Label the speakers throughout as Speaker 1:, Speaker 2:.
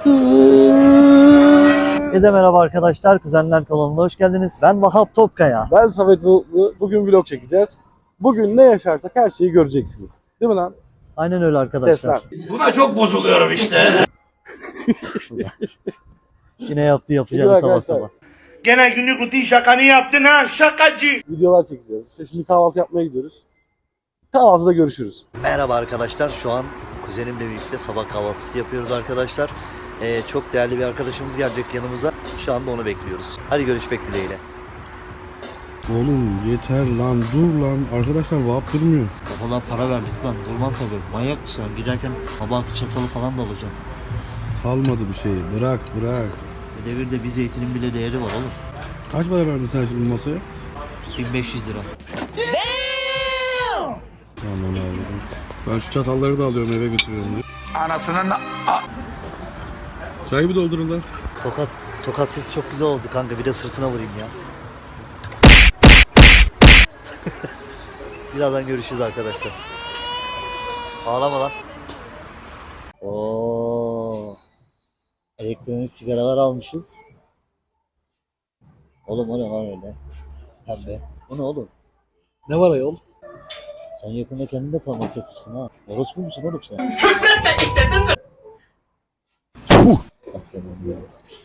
Speaker 1: Herkese merhaba arkadaşlar. Kuzenler kanalına hoş geldiniz. Ben Vahap Topkaya.
Speaker 2: Ben Samet Bulutlu. Bugün vlog çekeceğiz. Bugün ne yaşarsak her şeyi göreceksiniz. Değil mi lan?
Speaker 1: Aynen öyle arkadaşlar.
Speaker 2: Sesler.
Speaker 3: Buna çok bozuluyorum işte.
Speaker 1: Yine yaptı
Speaker 2: Bugün
Speaker 1: yapacağını sabah
Speaker 2: arkadaşlar
Speaker 1: sabah.
Speaker 3: Gene günlük rutin şakanı yaptın ha şakacı.
Speaker 2: Videolar çekeceğiz. İşte şimdi kahvaltı yapmaya gidiyoruz. Kahvaltıda görüşürüz.
Speaker 1: Merhaba arkadaşlar. Şu an kuzenimle birlikte sabah kahvaltısı yapıyoruz arkadaşlar. Çok değerli bir arkadaşımız gelecek yanımıza. Şu anda onu bekliyoruz. Hadi görüşmek dileğiyle.
Speaker 4: Oğlum yeter lan, dur lan. Arkadaşlar vahap durmuyor.
Speaker 1: Kafadan para verdik lan. Durman tabii. Manyak mısın? Giderken kabak çatalı falan da alacağım.
Speaker 4: Kalmadı bir şey. Bırak.
Speaker 1: Bu devirde bir zeytinin bile değeri var oğlum.
Speaker 4: Kaç para verdin sen şimdi masaya?
Speaker 1: 1500 lira.
Speaker 4: Tamam abi. Ben şu çatalları da alıyorum, eve götürüyorum diye.
Speaker 3: Anasının
Speaker 4: Çayı bir doldurun lan.
Speaker 1: Tokat sesi çok güzel oldu kanka. Bir de sırtına vurayım ya. Birazdan görüşürüz arkadaşlar. Ağlama lan. Oo. Elektronik sigaralar almışız. Oğlum o ne lan öyle? Pembe. Bu ne oğlum?
Speaker 2: Ne var ayol?
Speaker 1: Sen yakında kendin de parmak getirsin ha. Orospu musun oğlum sen? Aferin ya.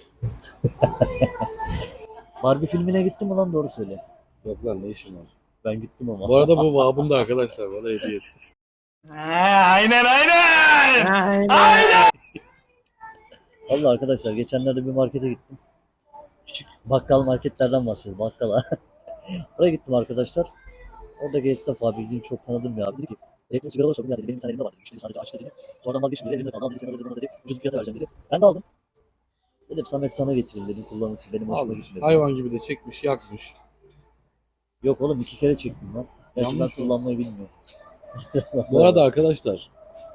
Speaker 1: Barbie filmine gittin mi lan, doğru söyle.
Speaker 2: Yok lan, ne işin var?
Speaker 1: Ben gittim ama.
Speaker 2: Bu arada bu vahapın da arkadaşlar bana hediye etti.
Speaker 3: aynen.
Speaker 1: Vallahi arkadaşlar geçenlerde bir markete gittim. Küçük bakkal marketlerden bahsediyorum, bakkala. Oraya gittim arkadaşlar. Oradaki esnaf abi, bizim çok tanıdığım bir abi, dedi ki elektrik sigara olsa dedi, benim bir tane elimde var dedi. Müşteri sadece açtı dedi. Sonradan vazgeçtim dedi, elimde kaldı. Al dedi, sen öyle dedi, bana dedi. Ucuz fiyata vereceğim dedi. Ben de aldım. Dedim Samet sana getireyim dedim, kullanmak için, benim hoşuma
Speaker 2: Almış.
Speaker 1: gitmedi.
Speaker 2: Hayvan gibi de çekmiş, yakmış.
Speaker 1: Yok oğlum, 2 kere çektim lan. Gerçi ben
Speaker 2: Yanlış
Speaker 1: kullanmayı bilmiyorum.
Speaker 2: Bu arada arkadaşlar.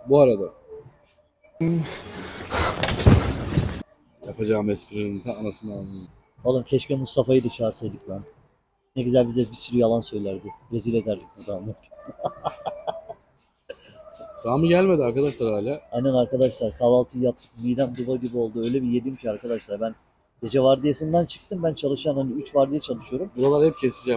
Speaker 2: Yapacağım esprinin ta anasını almayayım.
Speaker 1: Oğlum keşke Mustafa'yı da çağırsaydık lan. Ne güzel bize bir sürü yalan söylerdi. Rezil ederdik burada ama.
Speaker 2: Sami gelmedi arkadaşlar hala.
Speaker 1: Aynen arkadaşlar, kahvaltıyı yaptık. Midem duba gibi oldu. Öyle bir yedim ki arkadaşlar. Ben gece vardiyasından çıktım. Ben çalışan, hani 3 vardiya çalışıyorum.
Speaker 2: Buraları hep keseceğim.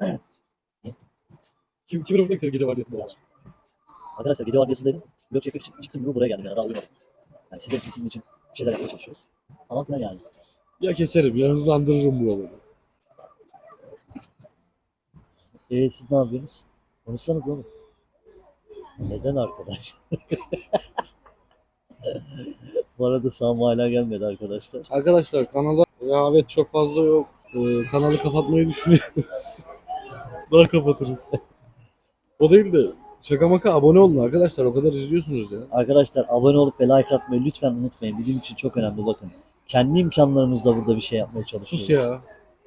Speaker 2: Kimin orada gece var diyorsun?
Speaker 1: Arkadaşlar gece vardiyasındaydım. Vlog çekmek için çıktım gibi buraya geldim yani, daha uyumadım. Yani sizin için bir şeyler yapmaya çalışıyoruz. Falan filan yani.
Speaker 2: Ya keserim ya hızlandırırım buraları.
Speaker 1: Siz ne yapıyorsunuz? Konuşsanız oğlum. Neden arkadaş? Bu arada Sami hala gelmedi arkadaşlar.
Speaker 2: Arkadaşlar kanala rehavet çok fazla yok. Kanalı kapatmayı düşünüyoruz. Daha kapatırız. O değil de şaka maka abone olun arkadaşlar, o kadar izliyorsunuz ya.
Speaker 1: Arkadaşlar abone olup ve like atmayı lütfen unutmayın. Bizim için çok önemli, bakın. Kendi imkanlarımızla burada bir şey yapmaya çalışıyoruz.
Speaker 2: Sus ya.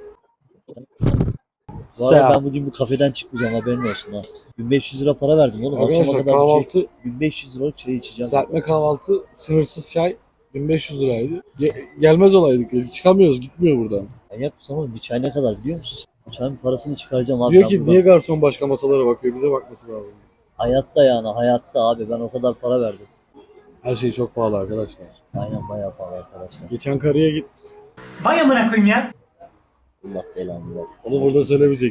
Speaker 1: Bu arada ben bugün bu kafeden çıkmayacağım, haberin olsun ha. 1500 lira para verdim oğlum. Akşama
Speaker 2: Arkadaşlar
Speaker 1: kadar
Speaker 2: kahvaltı,
Speaker 1: 1500 liralık çay içeceğim.
Speaker 2: serpme kahvaltı, sınırsız çay 1500 liraydı. Gelmez olaydık. Çıkamıyoruz, gitmiyor buradan.
Speaker 1: Manyak mısın oğlum? Bir çay ne kadar biliyor musun? Bu çayın parasını çıkaracağım abi.
Speaker 2: Diyor
Speaker 1: ben
Speaker 2: ki
Speaker 1: buradan.
Speaker 2: niye garson başka masalara bakıyor, bize bakması lazım.
Speaker 1: Hayatta yani, hayatta abi, ben o kadar para verdim.
Speaker 2: Her şey çok pahalı arkadaşlar.
Speaker 1: Aynen, bayağı pahalı arkadaşlar.
Speaker 2: Geçen karıya git.
Speaker 3: Vay amına koyayım ya.
Speaker 1: Allah belanı versin.
Speaker 2: Onu burada söylemeyecek.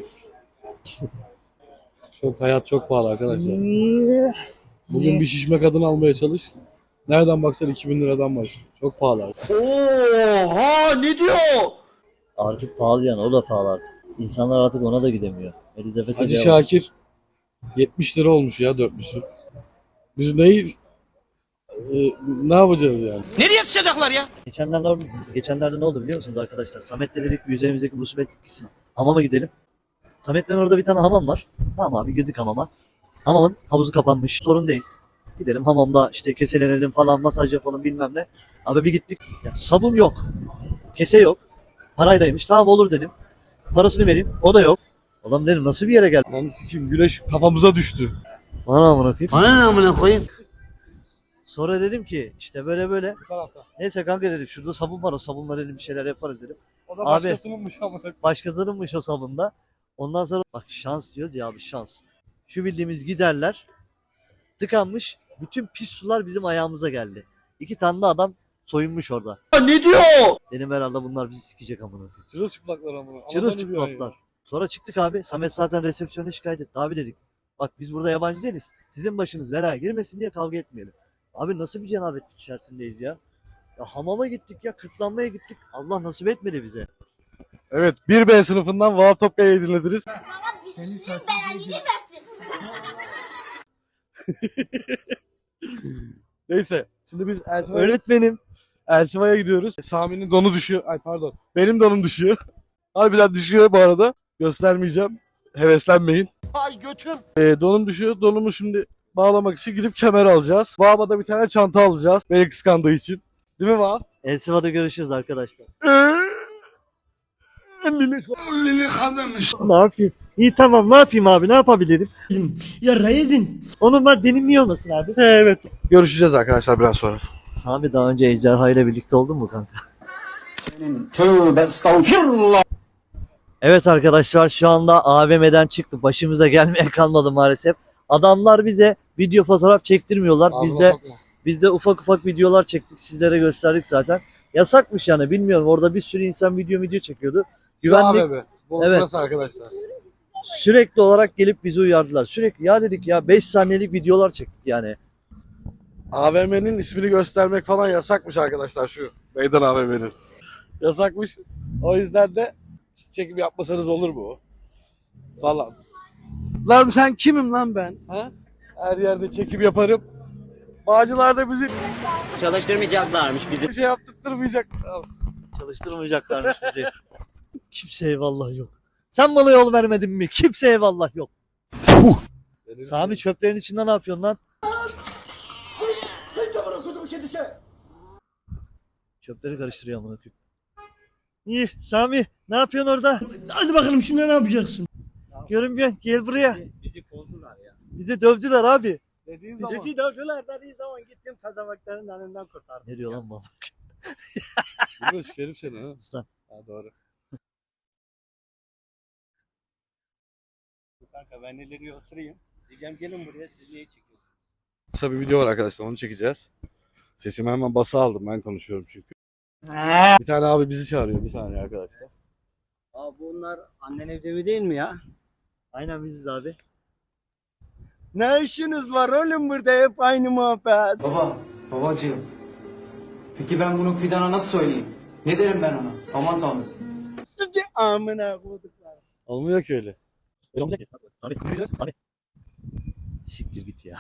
Speaker 2: Hayat çok pahalı arkadaşlar. Bugün bir şişme kadın almaya çalış. Nereden baksan 2000 liradan başlıyor. Çok pahalı.
Speaker 1: Artık pahalı yani, o da pahalı artık. İnsanlar artık ona da gidemiyor. Elizabeth'e
Speaker 2: Hacı
Speaker 1: devam.
Speaker 2: Şakir 70 lira olmuş ya 4'lüsü. Biz ne yapacağız yani?
Speaker 3: Nereye sıçacaklar ya?
Speaker 1: Geçenlerde ne oldu biliyor musunuz arkadaşlar? Samet'le dedik bir üzerimizdeki musibet gitsin. Hamama gidelim. Samet'le orada bir tane hamam var. Tamam abi, girdik hamama. Hamamın havuzu kapanmış. Sorun değil. Gidelim hamamda işte keselenelim falan, masaj yapalım bilmem ne. Abi bir gittik. Ya, sabun yok. Kese yok. Paraydaymış. Tamam olur dedim. Parasını vereyim. O da yok. Ulan dedim nasıl bir yere geldim?
Speaker 2: Lan sikim, güneş kafamıza düştü.
Speaker 1: Bana amına koyayım.
Speaker 3: Bana ne amına koyayım?
Speaker 1: Sonra dedim ki işte böyle. Neyse kanka dedim, şurada sabun var, o sabunla dedim bir şeyler yaparız dedim.
Speaker 2: O da
Speaker 1: Abi,
Speaker 2: başkasınınmış ama.
Speaker 1: Başkasınınmış o sabunda. Ondan sonra bak, şans diyoruz ya abi, şans. Şu bildiğimiz giderler tıkanmış. Bütün pis sular bizim ayağımıza geldi. 2 tane de adam soyunmuş orada.
Speaker 4: Ne diyor?
Speaker 1: Dedim herhalde bunlar bizi sikecek amına.
Speaker 2: Çırılçıplaklar amına.
Speaker 1: Çırılçıplaklar. Sonra çıktık abi. Samet zaten resepsiyona şikayet etti. Abi dedik. Bak biz burada yabancı değiliz. Sizin başınız belaya girmesin diye kavga etmeyelim. Abi nasıl bir cenabetlik içerisindeyiz ya? Ya hamama gittik ya, kırklanmaya gittik. Allah nasip etmedi bize.
Speaker 2: Evet 1B sınıfından Vahap Topkaya'yı dinlediniz. Neyse şimdi biz
Speaker 1: Öğretmenim.
Speaker 2: Elsiva'ya gidiyoruz. Sami'nin donu düşüyor. Ay pardon. Benim donum düşüyor. Harbiden düşüyor bu arada. Göstermeyeceğim. Heveslenmeyin.
Speaker 4: Ay götüm.
Speaker 2: Donum düşüyor. Donumu şimdi bağlamak için gidip kemer alacağız. Vahap'a da bir tane çanta alacağız. Beni kıskandığı için. Değil mi Vahap?
Speaker 1: Elsiva'da görüşürüz arkadaşlar.
Speaker 3: Lili kadınmış.
Speaker 1: Ne yapayım? İyi tamam ne yapayım abi ne yapabilirim?
Speaker 5: Ya Raid'in.
Speaker 1: Onun var benim niye olmasın abi? Evet.
Speaker 2: Görüşeceğiz arkadaşlar biraz sonra.
Speaker 1: Sami daha önce Ejderha ile birlikte oldun mu kanka?
Speaker 5: Tövbe estağfirullah.
Speaker 1: Evet arkadaşlar şu anda AVM'den çıktı. Başımıza gelmeye kalmadı maalesef. Adamlar bize video fotoğraf çektirmiyorlar. Biz de ufak ufak videolar çektik. Sizlere gösterdik zaten. Yasakmış yani bilmiyorum. Orada bir sürü insan video çekiyordu. Güvenlik
Speaker 2: Evet.
Speaker 1: Evet.
Speaker 2: Burası arkadaşlar.
Speaker 1: sürekli olarak gelip bizi uyardılar. Sürekli ya dedik ya 5 saniyelik videolar çektik yani.
Speaker 2: AVM'nin ismini göstermek falan yasakmış arkadaşlar şu. Meydan AVM'nin. Yasakmış. O yüzden de çekim yapmasanız olur mu? Falan. Lan sen kimim lan ben? Ha? Her yerde çekim yaparım. Bağcılar da bizi
Speaker 5: Çalıştırmayacaklarmış bizi.
Speaker 2: bir şey yaptırtmayacak. Tamam.
Speaker 1: Çalıştırmayacaklarmış bizi. Kimseye eyvallah yok. Sen bana yol vermedin mi? Kimseye eyvallah yok. Sami çöplerin içinde ne yapıyorsun lan? Çöpleri karıştırıyor amına koyayım. İyi Sami ne yapıyorsun orada?
Speaker 5: Hadi bakalım şimdi ne yapacaksın?
Speaker 1: Görünmüyor. Gel buraya.
Speaker 5: Bizi kovdular ya.
Speaker 1: Bizi dövdüler abi.
Speaker 2: Dediğin zaman.
Speaker 5: Bizi dövdüler dediği zaman gittim kazamakların önünden kurtardım.
Speaker 1: Ne diyor lan bu?
Speaker 2: Bilmiyorum sikerim seni ha.
Speaker 1: Aslan.
Speaker 2: Ha doğru.
Speaker 5: Kanka ben ileri oturayım. Diyeceğim gelin buraya siz neyi çekiyorsunuz?
Speaker 2: Kısa bir video var arkadaşlar onu çekeceğiz. Sesimi hemen basa aldım ben konuşuyorum çünkü. Bir tane abi bizi çağırıyor bir saniye arkadaşlar.
Speaker 5: Aa bunlar annen evde mi değil mi ya?
Speaker 1: Aynen biziz abi.
Speaker 5: Ne işiniz var oğlum burada hep aynı muhabbet.
Speaker 6: Babacığım. Peki ben bunu Fidan'a nasıl söyleyeyim? Ne derim ben ona? Aman tanrım.
Speaker 5: Sıcı amına koyduklar.
Speaker 2: Olmuyor ki öyle.
Speaker 1: Öyle olmayacak ki. Sami. Sami. Siktir git ya.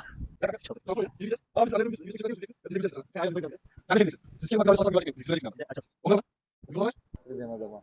Speaker 5: Dedim adama.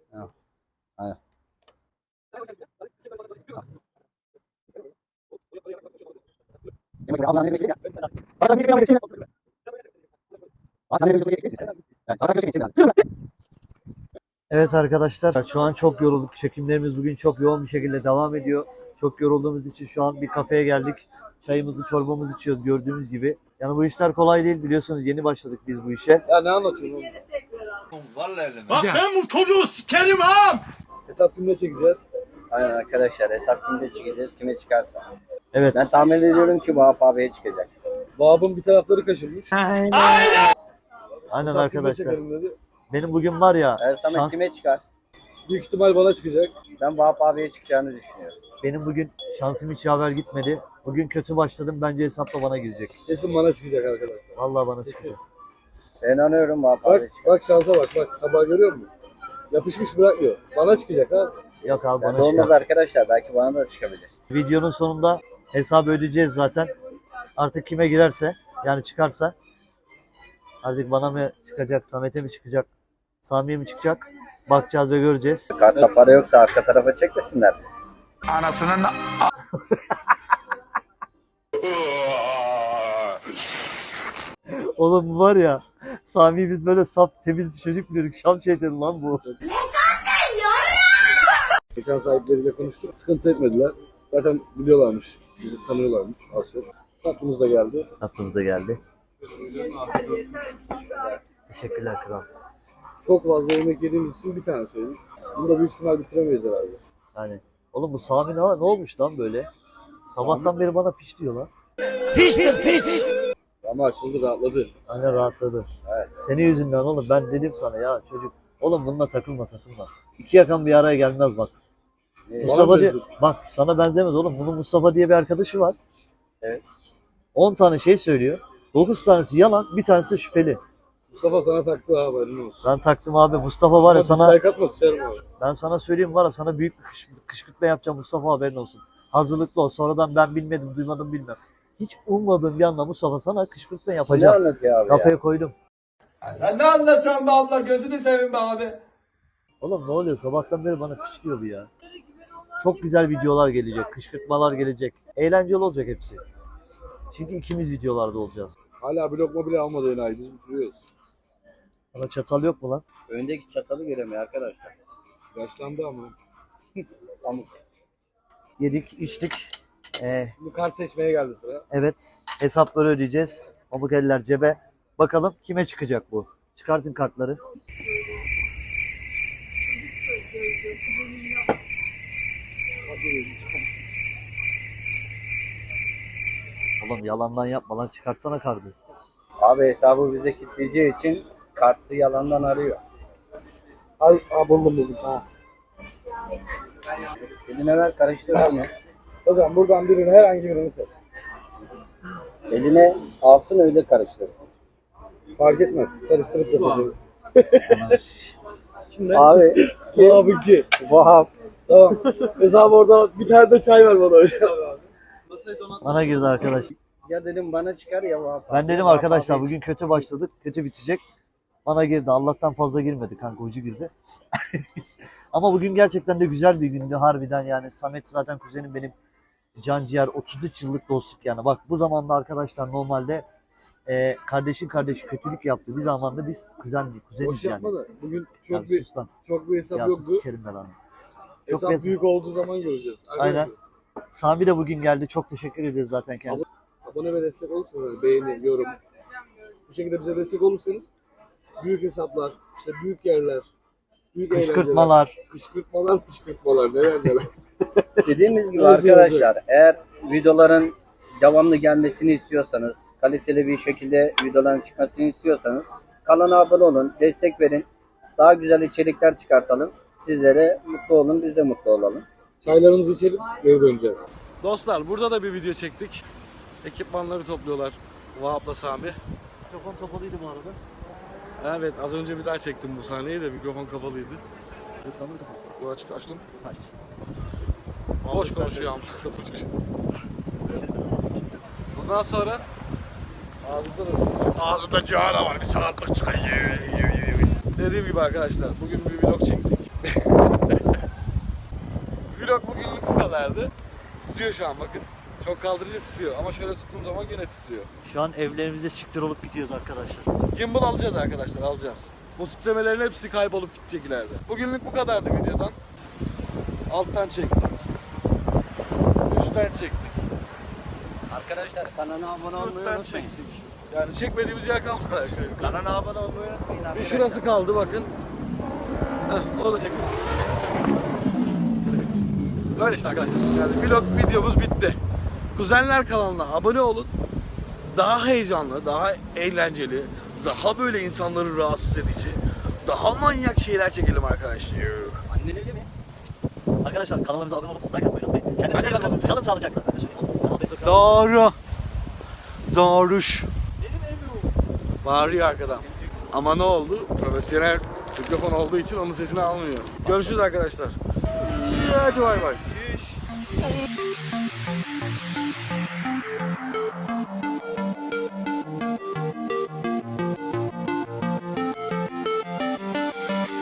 Speaker 1: Evet arkadaşlar şu an çok yorulduk. Çekimlerimiz bugün çok yoğun bir şekilde devam ediyor. Çok yorulduğumuz için şu an bir kafeye geldik. Çayımızı çorbamızı içiyoruz gördüğünüz gibi. Yani bu işler kolay değil biliyorsunuz yeni başladık biz bu işe.
Speaker 2: Ya ne anlatıyorsun oğlum?
Speaker 3: Bak ben bu çocuğu sikerim ha.
Speaker 2: Hesap kimle çekeceğiz?
Speaker 7: Aynen arkadaşlar hesap kimde çıkacağız kime çıkarsa.
Speaker 1: Evet.
Speaker 7: Ben tahmin ediyorum ki Vahap abiye çıkacak.
Speaker 2: Vahap'ın bir tarafları kaşınmış.
Speaker 1: Aynen
Speaker 2: Hesap kimle
Speaker 1: arkadaşlar.
Speaker 2: çekelim dedi.
Speaker 1: Benim bugün var ya
Speaker 7: Samet
Speaker 1: şans-
Speaker 7: kime çıkar?
Speaker 2: Büyük ihtimal bana çıkacak.
Speaker 7: Ben Vahap abiye çıkacağını düşünüyorum.
Speaker 1: benim bugün şansım hiç yaver gitmedi. Bugün kötü başladım bence hesapla bana girecek.
Speaker 2: Kesin bana çıkacak arkadaşlar.
Speaker 1: Vallahi bana çıkacak.
Speaker 7: Ben inanıyorum Vahap abiye
Speaker 2: Bak
Speaker 7: çıkacak.
Speaker 2: bak şansa bak. Tabağı görüyor musun? Yapışmış bırakmıyor. Bana çıkacak ha.
Speaker 1: Yok abi
Speaker 7: Yani
Speaker 1: bana
Speaker 7: olmaz
Speaker 1: çıkar.
Speaker 7: arkadaşlar belki bana da çıkabilir.
Speaker 1: Videonun sonunda hesabı ödeyeceğiz zaten. Artık kime girerse yani çıkarsa artık bana mı çıkacak, Samet'e mi çıkacak, Sami'ye mi çıkacak bakacağız ve göreceğiz.
Speaker 7: Kartta para yoksa arka tarafa çekmesinler.
Speaker 3: Anasının
Speaker 1: Oğlum bu var ya Sami'yi biz böyle saf temiz bir çocuk biliyorduk. Şam şeytani lan bu.
Speaker 2: Mekan sahipleriyle konuştuk. Sıkıntı etmediler. Zaten biliyorlarmış. Bizi tanıyorlarmış az çok. Aklımız da geldi.
Speaker 1: Aklımıza geldi. Teşekkürler kral.
Speaker 2: Çok fazla yemek yediğimiz için bir tane söyledik. Bunu da büyük ihtimal bitiremeyiz herhalde.
Speaker 1: Yani oğlum bu Sami ne olmuş lan böyle? Sabahtan beri bana piş diyor lan.
Speaker 5: Piştir piş.
Speaker 2: Ya Ama açıldı, rahatladı.
Speaker 1: Hani rahatladı.
Speaker 7: Evet.
Speaker 1: Senin yüzünden oğlum, ben dedim sana ya çocuk. Oğlum bununla takılma. İki yakan bir araya gelmez bak. Mustafa diye,
Speaker 2: benziyor.
Speaker 1: bak sana benzemez oğlum. Bunun Mustafa diye bir arkadaşı var.
Speaker 7: Evet.
Speaker 1: 10 tane şey söylüyor. 9 tanesi yalan, bir tanesi de şüpheli.
Speaker 2: Mustafa sana taktı abi, haberin olsun.
Speaker 1: Ben taktım abi. Mustafa var ya sana,
Speaker 2: Dislike atma, sıçarım abi.
Speaker 1: ben sana söyleyeyim var ya, sana büyük bir kışkırtma yapacağım Mustafa, haberin olsun. Hazırlıklı ol. Sonradan ben bilmedim, duymadım, bilmem. Hiç ummadığım bir anda Mustafa sana kışkırtma
Speaker 7: Ne
Speaker 1: yapacağım.
Speaker 7: anlatıyor abi ya?
Speaker 1: Kafaya koydum.
Speaker 5: Sen ne anlatıyorsun be abla, gözünü seveyim be abi.
Speaker 1: Oğlum ne oluyor? Sabahtan beri bana piç diyor bu ya. Çok güzel videolar gelecek, kışkırtmalar gelecek. Eğlenceli olacak hepsi. Çünkü ikimiz videolarda olacağız.
Speaker 2: Hala bir lokma bile almadı enayi, biz bitiriyoruz.
Speaker 1: Bana çatal yok mu lan?
Speaker 7: Öndeki çatalı göremiyor arkadaşlar.
Speaker 2: Yaşlandı ama.
Speaker 7: Pamuk.
Speaker 1: Yedik, içtik.
Speaker 2: Şimdi kart seçmeye geldi sıra.
Speaker 1: Evet, hesapları ödeyeceğiz. Pamuk eller cebe. Bakalım kime çıkacak bu? Çıkartın kartları. Oğlum yalandan yapma lan, çıkartsana kartı.
Speaker 7: Abi hesabı bize kilitleyeceği için kartı yalandan arıyor.
Speaker 2: Ay, buldum. Ha.
Speaker 7: Eline ver, karıştırsın ya.
Speaker 2: Hocam buradan birini, herhangi birini seç.
Speaker 7: Eline alsın, öyle karıştırsın.
Speaker 2: Fark etmez. Karıştırıp da seçelim. Şimdi
Speaker 7: Abi
Speaker 2: Vahap'ınki.
Speaker 7: Vahap.
Speaker 2: Tamam. Hesabı orada, bir tane de çay ver bana hocam.
Speaker 1: Bana girdi arkadaş.
Speaker 7: Ya dedim bana çıkar ya Vahap.
Speaker 1: Ben dedim arkadaşlar bugün kötü başladık, kötü bitecek. Bana girdi. Allah'tan fazla girmedi kanka, ucu girdi. Ama bugün gerçekten de güzel bir gündü harbiden yani. Samet zaten kuzenim benim, can ciğer, 33 yıllık dostluk yani. Bak bu zamanda arkadaşlar normalde kardeşin kardeşi kötülük yaptı. Bir zamanda biz kuzeniz
Speaker 2: Boş
Speaker 1: yani.
Speaker 2: yapma da. Bugün
Speaker 1: Ya
Speaker 2: çok bir
Speaker 1: sus lan.
Speaker 2: hesap
Speaker 1: Ya
Speaker 2: yoktu.
Speaker 1: sus Kerim be lan. Çok
Speaker 2: Hesap
Speaker 1: bez-
Speaker 2: büyük olduğu zaman göreceğiz.
Speaker 1: Aynen. Sami de bugün geldi. Çok teşekkür ederiz zaten kendisine.
Speaker 2: Abone ve destek olursanız, beğeni, yorum. Bu şekilde bize destek olursanız büyük hesaplar, işte büyük yerler, büyük
Speaker 1: Kışkırtmalar.
Speaker 2: eğlenceler, fışkırtmalar, neler.
Speaker 7: Dediğimiz gibi
Speaker 2: Nasıl
Speaker 7: arkadaşlar, eğer videoların devamlı gelmesini istiyorsanız, kaliteli bir şekilde videoların çıkmasını istiyorsanız kanala abone olun, destek verin. Daha güzel içerikler çıkartalım. Sizlere mutlu olun, biz de mutlu olalım.
Speaker 2: Çaylarımızı içelim, geri döneceğiz. Dostlar, burada da bir video çektik. Ekipmanları topluyorlar Vahap'la Sami.
Speaker 1: Mikrofon kapalıydı bu arada.
Speaker 2: Evet, az önce bir daha çektim bu sahneyi de, mikrofon kapalıydı.
Speaker 1: Mikrofonu kapat.
Speaker 2: Bu açık açtım.
Speaker 1: Açmışsın.
Speaker 2: Boş konuşuyor ama. Bundan sonra ağzımda cihara var, bir saatlik çıkıyor. Dediğim gibi arkadaşlar, bugün bir vlog çektik. Vlog bugünlük bu kadardı. Titriyor şu an bakın. Çok kaldırınca titriyor ama şöyle tuttuğum zaman gene titriyor.
Speaker 1: Şu an evlerimizde siktir olup gidiyoruz arkadaşlar.
Speaker 2: Gimbal alacağız arkadaşlar, alacağız. Bu titremelerin hepsi kaybolup gidecek ileride. Bugünlük bu kadardı videodan. Alttan çektik. Üstten çektik.
Speaker 7: Arkadaşlar kanala abone olmayı
Speaker 2: Dörtten
Speaker 7: unutmayın.
Speaker 2: çektik. Yani çekmediğimiz yer kalmadı.
Speaker 7: Kanala abone olmayı unutmayın
Speaker 2: Bir
Speaker 7: arkadaşlar.
Speaker 2: şurası kaldı bakın. Heh, onu da çekin. Böyle işte arkadaşlar. Yani vlog videomuz bitti. Kuzenler kanalına abone olun. Daha heyecanlı, daha eğlenceli, daha böyle insanları rahatsız edici, daha manyak şeyler çekelim arkadaşlar.
Speaker 7: Annene mi?
Speaker 1: Arkadaşlar kanalımıza abone olup like atmayı unutmayın. Kendinize iyi bakın. Kalın sağlıcakla.
Speaker 2: Doğru. Doğruş. Bağırıyor arkadan. Ama ne oldu? Profesyonel mikrofon olduğu için onun sesini almıyor. Görüşürüz arkadaşlar. Hadi bay bay.